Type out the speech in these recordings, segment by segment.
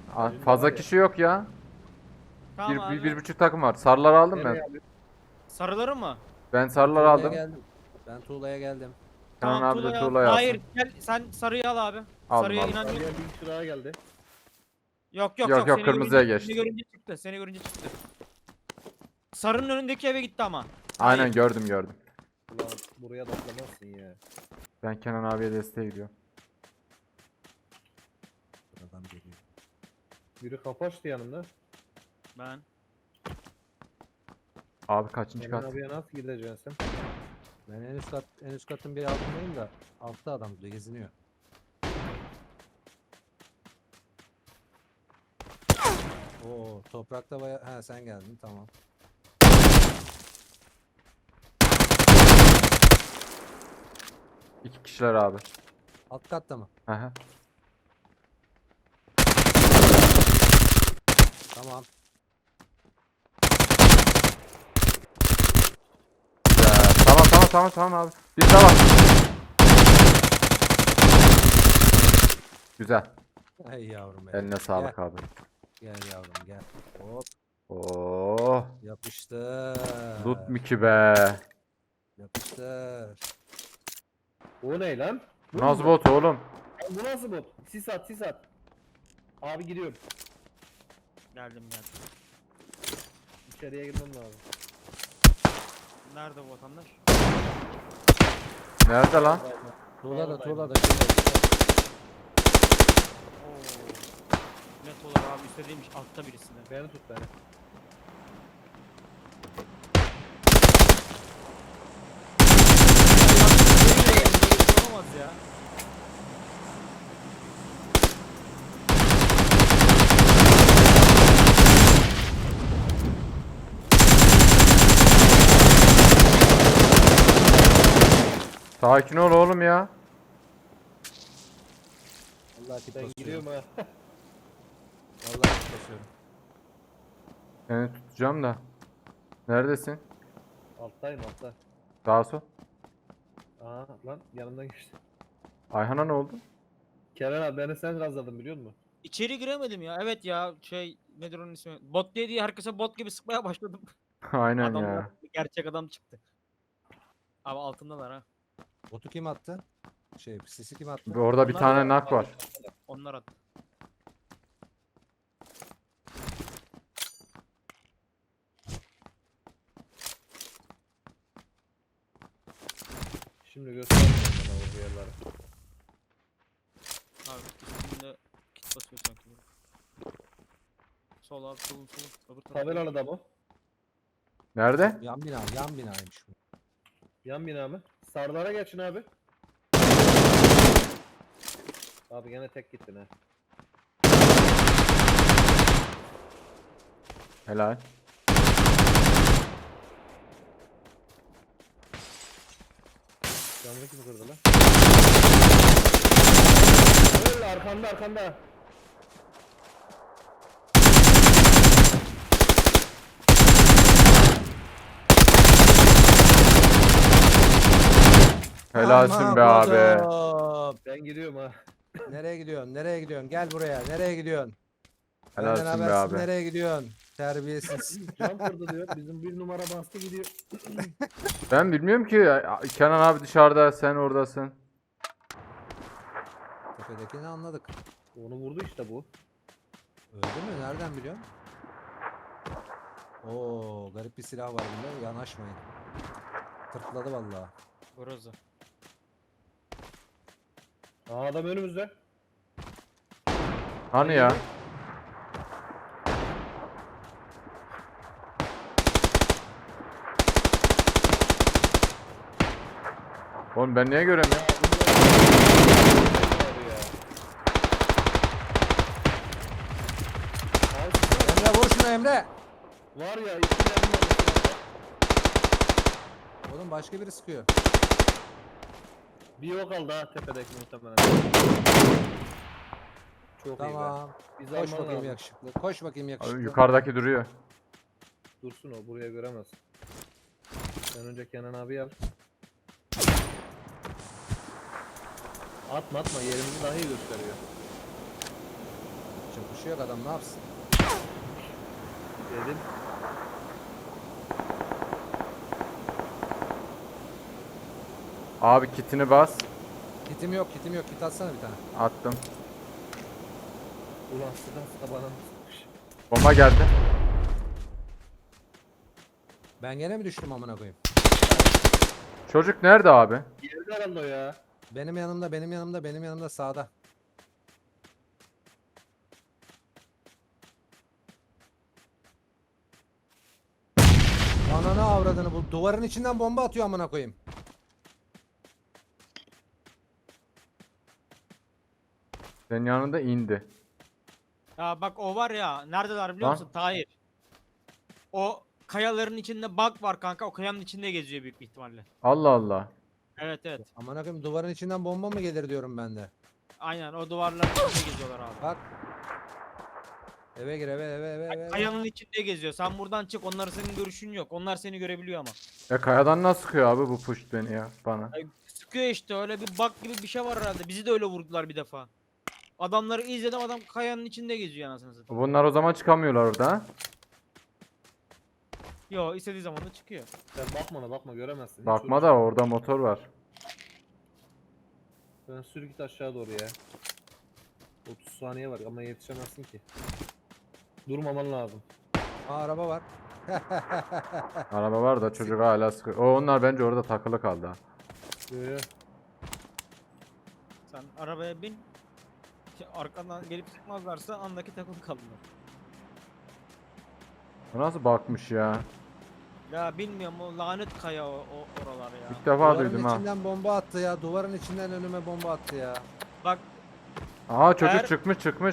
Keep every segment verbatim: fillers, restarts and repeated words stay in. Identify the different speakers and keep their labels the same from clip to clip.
Speaker 1: Aa, fazla kişi yok ya.
Speaker 2: Tamam
Speaker 1: Bir,
Speaker 2: abi.
Speaker 1: bir, bir buçuk takım var. Sarıları aldım
Speaker 3: Nereye
Speaker 1: ben.
Speaker 3: abi?
Speaker 2: Sarıları mı?
Speaker 1: Ben
Speaker 4: Ben
Speaker 1: sarıları
Speaker 4: tuğlaya
Speaker 1: aldım.
Speaker 4: geldim. Ben tuğlaya geldim.
Speaker 1: Kenan
Speaker 2: Tamam
Speaker 1: abi de
Speaker 2: tuğlayı al.
Speaker 1: tuğlayı alsın.
Speaker 2: Hayır gel sen sarıyı al abi.
Speaker 1: Aldım,
Speaker 2: Sarıya
Speaker 1: aldım.
Speaker 2: inanıyorum.
Speaker 3: Sarıya bir kişi daha geldi.
Speaker 2: Yok yok
Speaker 1: Yok,
Speaker 2: yok.
Speaker 1: yok,
Speaker 2: Seni
Speaker 1: kırmızıya
Speaker 2: görünce,
Speaker 1: geçti.
Speaker 2: Seni görünce çıktı. Seni görünce çıktı. Sarının önündeki eve gitti ama.
Speaker 1: Aynen
Speaker 2: Hayır.
Speaker 1: gördüm gördüm.
Speaker 3: Ulan buraya da atlamazsın ya.
Speaker 1: Ben Kenan abiye desteğe gidiyorum.
Speaker 4: Buradan geliyor.
Speaker 3: Biri kapı açtı yanımda.
Speaker 2: Ben.
Speaker 1: Abi kaçıncı
Speaker 3: Kenan
Speaker 1: kat?
Speaker 3: abiye nasıl gideceksin sen?
Speaker 4: Ben en üst kat en üst katın bir altındayım da altta adam burada geziniyor. Oo toprakta baya ha sen geldin tamam.
Speaker 1: İki kişiler abi.
Speaker 4: Alt katta mı?
Speaker 1: Aha.
Speaker 4: Tamam.
Speaker 1: Ya, tamam tamam tamam tamam abi. Bir daha var. Güzel.
Speaker 4: Hey yavrum benim.
Speaker 1: Eline sağlık abi.
Speaker 4: Gel yavrum gel. Hop
Speaker 1: Oo.
Speaker 4: yapıştır.
Speaker 1: Loot mu ki be?
Speaker 4: Yapıştır.
Speaker 3: O ne lan? Bu
Speaker 1: Nasıl
Speaker 3: mu?
Speaker 1: bot oğlum?
Speaker 3: Lan bu nasıl bot? Sis at sis at. Abi gidiyorum.
Speaker 2: Geldim geldim.
Speaker 3: İçeriye girmem lazım.
Speaker 2: Nerede bu vatandaş?
Speaker 1: Nerede lan?
Speaker 4: Tuğla da
Speaker 3: Oradayım.
Speaker 4: tuğla da şurada.
Speaker 2: Oo. Net olarak abi istediğimmiş altta birisinde.
Speaker 3: Beni tut beni.
Speaker 2: Olamaz ya.
Speaker 1: Sakin ol oğlum ya.
Speaker 4: Vallahi kit
Speaker 3: Ben
Speaker 4: basıyorum.
Speaker 3: gidiyorum ha.
Speaker 4: Vallahi kit basıyorum.
Speaker 1: Seni tutacağım da. Neredesin?
Speaker 3: Alttayım altta.
Speaker 1: Sağa sol.
Speaker 3: Aha lan yanımdan geçti.
Speaker 1: Ayhan'a ne oldu?
Speaker 3: Kenan abi beni sen gazladın biliyor musun?
Speaker 2: İçeri giremedim ya. Evet ya şey nedir onun ismi? Bot diye diye herkese bot gibi sıkmaya başladım.
Speaker 1: Aynen
Speaker 2: Adamlar
Speaker 1: ya.
Speaker 2: gerçek adam çıktı. Abi altındalar ha.
Speaker 4: Botu kim attı? Şey sisi kim attı?
Speaker 1: Orada bir
Speaker 2: Onlar
Speaker 1: tane
Speaker 2: da-
Speaker 1: nak var.
Speaker 2: Onlar attı.
Speaker 3: Şimdi göstereyim bana o yerleri.
Speaker 2: Abi üstünde kit basıyor sanki. Sol abi sol sol. Öbür taraf.
Speaker 3: Tabelalı da bu.
Speaker 1: Nerede?
Speaker 4: Yan bina yan binaymış bu.
Speaker 3: Yan bina mı? Sarılara geçin abi. Abi gene tek gittin ha.
Speaker 1: Helal.
Speaker 3: Camını kim kırdı lan? Öyle arkanda arkanda.
Speaker 1: Helalsin
Speaker 4: Aman
Speaker 1: be abi.
Speaker 4: kodum.
Speaker 3: Ben gidiyorum ha.
Speaker 4: Nereye gidiyorsun? Nereye gidiyorsun? Gel buraya. Nereye gidiyorsun? Benden
Speaker 1: Helalsin be
Speaker 4: habersiz
Speaker 1: abi.
Speaker 4: nereye gidiyorsun? Terbiyesiz.
Speaker 3: Cam kırdı diyor. Bizim bir numara bastı gidiyor.
Speaker 1: Ben bilmiyorum ki. ya. Kenan abi dışarıda, sen oradasın.
Speaker 4: Tepedekini anladık.
Speaker 3: Onu vurdu işte bu.
Speaker 4: Öldü mü? Nereden biliyorsun? Oo, garip bir silah var bunda. Yanaşmayın. Tırtladı vallahi.
Speaker 2: Burası.
Speaker 3: Aa adam önümüzde.
Speaker 1: Hani ya? Oğlum ben niye göremiyorum?
Speaker 4: Emre vur şunu Emre.
Speaker 3: Var ya iki yanım var.
Speaker 4: Oğlum başka biri sıkıyor.
Speaker 3: Bir yok kaldı ha tepedeki muhtemelen. Çok iyi be.
Speaker 4: Tamam.
Speaker 3: Biz
Speaker 4: Koş
Speaker 3: alman
Speaker 4: bakayım
Speaker 3: lazım.
Speaker 4: yakışıklı. Koş bakayım
Speaker 1: Abi
Speaker 4: yakışıklı.
Speaker 1: yukarıdaki duruyor.
Speaker 3: Dursun o buraya göremez. Sen önce Kenan abi al. Atma atma yerimizi daha iyi gösteriyor.
Speaker 4: için. Kuşu yok adam, ne yapsın?
Speaker 3: Dedim.
Speaker 1: Abi kitini bas.
Speaker 4: Kitim yok, kitim yok. Kit atsana bir tane.
Speaker 1: Attım.
Speaker 3: Ulan sıkan sıka bana mı sıkmış?
Speaker 1: Bomba geldi.
Speaker 4: Ben gene mi düştüm amına koyayım?
Speaker 1: Çocuk nerede abi?
Speaker 3: Yerde herhalde o ya.
Speaker 4: Benim yanımda, benim yanımda, benim yanımda sağda. Ananı avradını, bu duvarın içinden bomba atıyor amına koyayım.
Speaker 1: Senin yanında indi.
Speaker 2: Ya bak o var ya, neredeler biliyor
Speaker 1: Ha?
Speaker 2: musun? Tahir. O kayaların içinde bug var kanka. O kayanın içinde geziyor büyük bir ihtimalle.
Speaker 1: Allah Allah.
Speaker 2: Evet evet.
Speaker 4: Amına koyayım, duvarın içinden bomba mı gelir diyorum ben de.
Speaker 2: Aynen o duvarların içinde geziyorlar abi.
Speaker 4: Bak. Eve gir, eve eve eve eve. eve.
Speaker 2: Kayanın içinde geziyor. Sen buradan çık. Onların senin görüşün yok. Onlar seni görebiliyor ama.
Speaker 1: Ya kayadan nasıl sıkıyor abi bu push beni ya bana.
Speaker 2: Ay, sıkıyor işte, öyle bir bug gibi bir şey var herhalde. Bizi de öyle vurdular bir defa. Adamları izledim, adam kayanın içinde geziyor anasını satayım.
Speaker 1: Bunlar o zaman çıkamıyorlar orada ha?
Speaker 2: Yo, istediği zaman da çıkıyor.
Speaker 3: Sen bakma ona bakma göremezsin. Hiç
Speaker 1: Bakma
Speaker 3: uğraşma.
Speaker 1: da orada motor var.
Speaker 3: Sen sür git aşağı doğru ya. otuz saniye var ama yetişemezsin ki. Durmaman lazım.
Speaker 4: Aa, araba var.
Speaker 1: Araba var da çocuk hala sıkıyor. O onlar bence orada takılı kaldı ha.
Speaker 3: Yo, yo.
Speaker 2: Sen arabaya bin. Şey, arkadan gelip sıkmazlarsa andaki takılı kalırlar.
Speaker 1: Bu nasıl bakmış ya?
Speaker 2: Ya bilmiyorum, o lanet kaya o, o oralar ya.
Speaker 1: İlk defa
Speaker 4: Duvarın
Speaker 1: duydum ha.
Speaker 4: içinden bomba attı ya. Duvarın içinden önüme bomba attı ya.
Speaker 2: Bak
Speaker 1: Aa çocuk
Speaker 2: Eğer-
Speaker 1: çıkmış çıkmış.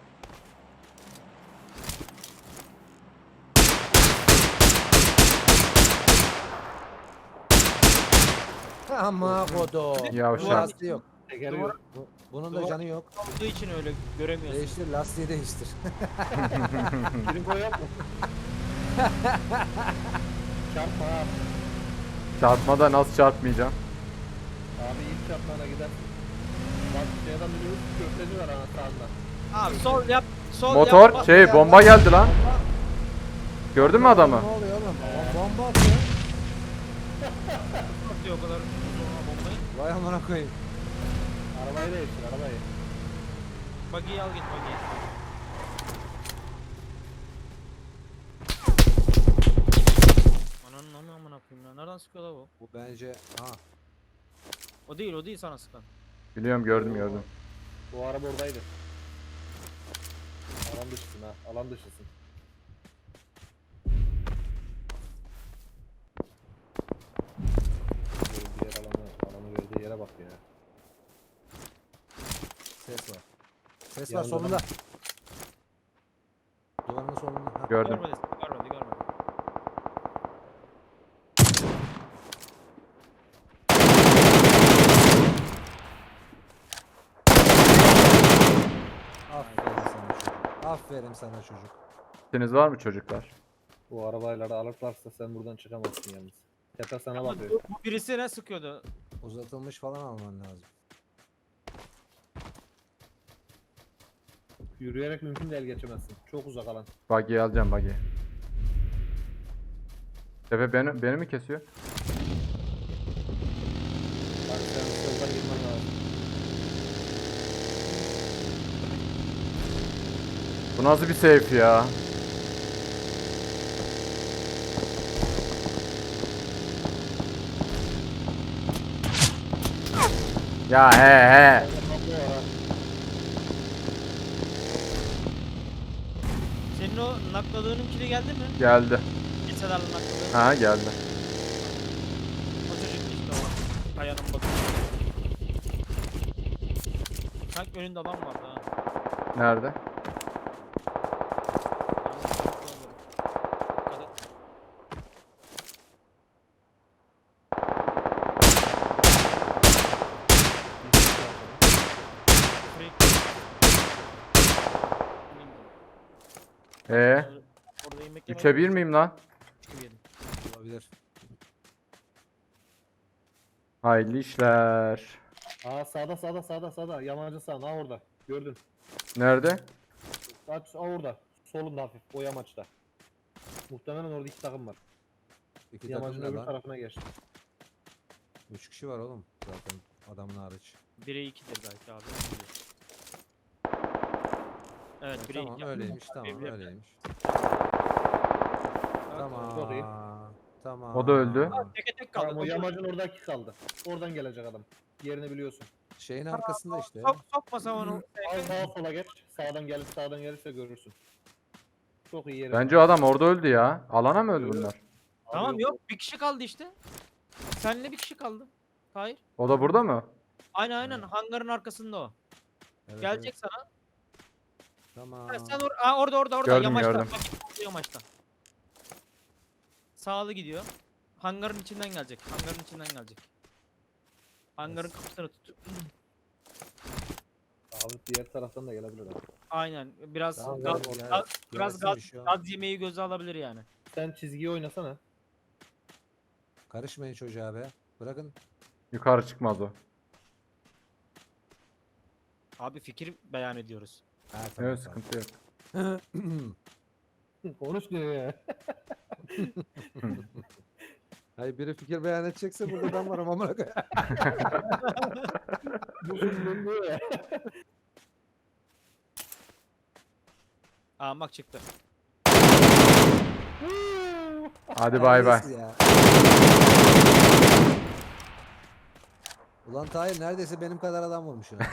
Speaker 4: Ama kodo.
Speaker 1: Yavşak.
Speaker 4: Lastiği yok.
Speaker 3: Tekeri
Speaker 2: Duvar-
Speaker 3: yok.
Speaker 4: Bu- Bunun da
Speaker 2: Duvar-
Speaker 4: canı yok.
Speaker 2: olduğu için öyle göremiyorsun.
Speaker 4: Değiştir, lastiği değiştir.
Speaker 3: Trinko yok mu? Çarpma abi.
Speaker 1: Çarpmada nasıl çarpmayacağım?
Speaker 3: Abi ilk çarpmana gider. Bak şeyden biliyoruz köfteci var ana sağında.
Speaker 2: Abi sol yap, sol
Speaker 1: Motor
Speaker 2: yap. bak-
Speaker 1: şey
Speaker 4: ya,
Speaker 1: bomba
Speaker 4: bak.
Speaker 1: geldi lan. Gördün mü adamı?
Speaker 4: Ne oluyor oğlum? Bom- Bomba atıyor.
Speaker 2: atıyor o kadar uzun bombayı.
Speaker 4: Vay amına koyayım.
Speaker 3: Arabayı değiştir arabayı.
Speaker 2: Buggy'yi al git buggy'yi. Ananın amına amına koyayım ya. Nereden sıkıyor la bu?
Speaker 4: Bu bence ha.
Speaker 2: O değil, o değil sana sıkan.
Speaker 1: Biliyorum gördüm gördüm.
Speaker 3: Bu araba oradaydı. Alan dışısın ha. Alan dışısın. Böyle diğer alanı, alanı verdiği yere bak ya.
Speaker 4: Ses var. Ses var
Speaker 3: Yanında
Speaker 4: solunda. Duvarın solunda. Ha.
Speaker 1: Gördüm.
Speaker 2: Görmedi, görmedi, görmedi.
Speaker 4: Aferin sana çocuk. Aferin sana çocuk.
Speaker 1: Kitiniz var mı çocuklar?
Speaker 3: Bu arabayla da alırlarsa sen buradan çıkamazsın yalnız. Tepe sana
Speaker 2: Ama
Speaker 3: bakıyor.
Speaker 2: bu, bu birisi ne sıkıyordu?
Speaker 4: Uzatılmış falan alman lazım.
Speaker 3: Yürüyerek mümkün değil geçemezsin. Çok uzak alan.
Speaker 1: Buggy'yi alacağım buggy. Tepe beni, beni mi kesiyor?
Speaker 3: Bak sen soldan girmen lazım.
Speaker 1: Bu nasıl bir safe ya? Ya he he.
Speaker 3: Kapı var ha.
Speaker 2: Senin o nakladığının kili geldi mi?
Speaker 1: Geldi.
Speaker 2: Liselerle nakladığın.
Speaker 1: Ha geldi.
Speaker 2: O çocuk işte o. Kayanın batı. Sanki önünde adam vardı ha.
Speaker 1: Nerede?
Speaker 2: Dikkat et. Freak.
Speaker 1: Ee,
Speaker 2: Orada yemek
Speaker 1: üçe bir miyim lan?
Speaker 2: yedim.
Speaker 4: Olabilir.
Speaker 1: Hayırlı işler.
Speaker 3: Aa sağda sağda sağda sağda. Yamacı sağ. Ha orada. Gördün.
Speaker 1: Nerede?
Speaker 3: Aç, aa, orada. Solunda hafif. O yamaçta. Muhtemelen orada iki takım var.
Speaker 4: İki takım
Speaker 3: Yamacın
Speaker 4: ne
Speaker 3: öbür
Speaker 4: lan?
Speaker 3: tarafına geçti.
Speaker 4: Üç kişi var oğlum zaten adamın hariç.
Speaker 2: bire ikidir belki abi. Evet,
Speaker 4: Ha,
Speaker 2: bire
Speaker 4: tamam
Speaker 2: iki.
Speaker 4: öyleymiş tamam
Speaker 2: Bir- bir-
Speaker 4: öyleymiş.
Speaker 3: Çok iyi.
Speaker 4: Tamam. Tamam.
Speaker 1: O da öldü.
Speaker 2: Teke tek kaldı.
Speaker 3: Tamam o
Speaker 2: Koş-
Speaker 3: yamacın oradaki kaldı. Oradan gelecek adam. Yerini biliyorsun.
Speaker 4: Şeyin arkasında işte.
Speaker 2: Sok, sokmasa onu.
Speaker 3: Al sağa sola geç. Sağdan gelir sağdan gelirse görürsün. Çok iyi yeri.
Speaker 1: Bence o adam orada öldü ya. Alana mı öldü bunlar?
Speaker 2: Tamam yok, bir kişi kaldı işte. Seninle bir kişi kaldı. Hayır.
Speaker 1: O da burada mı?
Speaker 2: Aynen aynen, hangarın arkasında o.
Speaker 4: Evet,
Speaker 2: Gelecek
Speaker 4: evet.
Speaker 2: sana.
Speaker 4: Tamam.
Speaker 2: Ha, sen or Aa, orada orada orada
Speaker 1: Gördüm,
Speaker 2: yamaçta.
Speaker 1: gördüm.
Speaker 2: Bak, orada yamaçta. Sağlı gidiyor. Hangarın içinden gelecek. Hangarın içinden gelecek. Hangarın
Speaker 4: Yes.
Speaker 2: kapısını tut.
Speaker 3: Abi diğer taraftan da gelebilir abi.
Speaker 2: Aynen. Biraz
Speaker 4: Tamam,
Speaker 2: gaz,
Speaker 4: gel-
Speaker 2: gaz-
Speaker 4: gel-
Speaker 2: biraz
Speaker 4: gelsin
Speaker 2: gaz,
Speaker 4: bir şey olmaz.
Speaker 2: gaz yemeği göze alabilir yani.
Speaker 3: Sen çizgiyi oynasana.
Speaker 4: Karışmayın çocuğa be. Bırakın.
Speaker 1: Yukarı çıkmaz o.
Speaker 2: Abi fikir beyan ediyoruz.
Speaker 4: Ha, tamam,
Speaker 1: Evet,
Speaker 4: tamam.
Speaker 1: sıkıntı yok.
Speaker 3: Konuş diyor ya.
Speaker 4: Hayır biri fikir beyan edecekse burada ben varım amına koyayım.
Speaker 3: Bu şimdi diyor ya.
Speaker 2: Aa bak çıktı.
Speaker 1: Hadi bay bay.
Speaker 4: Neredeyse ya. Ulan Tahir neredeyse benim kadar adam vurmuşsun. ha.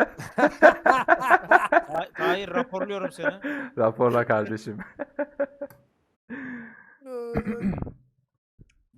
Speaker 2: Ha- Hayır, raporluyorum seni.
Speaker 1: Raporla kardeşim.